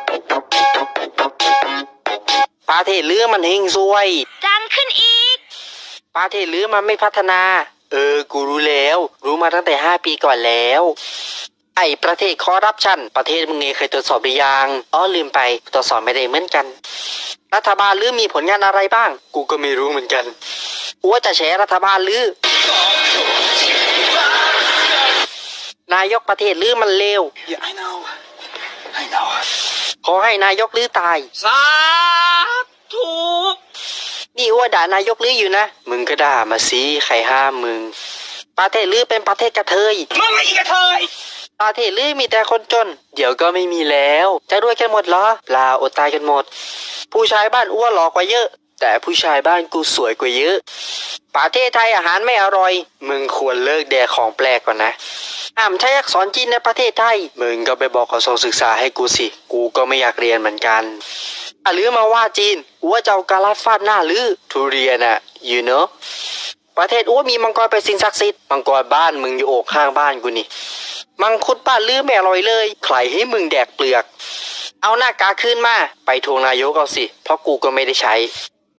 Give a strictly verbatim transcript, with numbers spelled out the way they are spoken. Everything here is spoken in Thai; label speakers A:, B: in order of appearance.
A: ประเทศลือมันเฮงซวย
B: ดังขึ้นอีก
A: ประเทศลือมันไม่พัฒนา เออกูรู้แล้วรู้มาตั้งแต่ห้าปีก่อนแล้วไอ้ประเทศคอร์รัปชันประเทศมึงเองเคยตรวจสอบหรือยังอ๋อลืมไปตรวจสอบไม่ได้เหมือนกันรัฐบาลลือมีผลงานอะไรบ้างกูก็ไม่รู้เหมือนกันกูว่าจะแฉรัฐบาลลือนายกประเทศลือมันเลว
C: Yeah, I know. I know.
A: ขอให้นายกลือตาย
D: สาธุ
A: นี่อ้วด่านายกลืออยู่นะมึงก็ด่ามาสิใครห้ามมึงประเทศลือเป็นประเทศกระเทย
D: มึงไอ้กระเทย
A: ประเทศลือมีแต่คนจนเดี๋ยวก็ไม่มีแล้วจะรวยกันหมดเหรอเปล่าอดตายกันหมดผู้ชายบ้านอ้วนหล่อกว่าเยอะแต่ผู้ชายบ้านกูสวยกว่าเยอะประเทศไทยอาหารไม่อร่อยมึงควรเลิกแดกของแปลกก่อนนะห้ามใช้อักษรจีนในประเทศไทยมึงก็ไปบอกกระทรวงศึกษาให้กูสิกูก็ไม่อยากเรียนเหมือนกันหรือมาว่าจีนอ้วจะเอากาลัดฟาดหน้าหรือทุเรียนอะ you know ประเทศอ้วมีมังกรเป็นสิ่งศักดิ์สิทธิ์มังกรบ้านมึงอยู่โอกข้างบ้านกูนี่มังคุดบ้านลือไม่อร่อยเลยใครให้มึงแดกเปลือกเอาหน้ากากขึ้นมาไปทวงนายกเอาสิเพราะกูก็ไม่ได้ใช้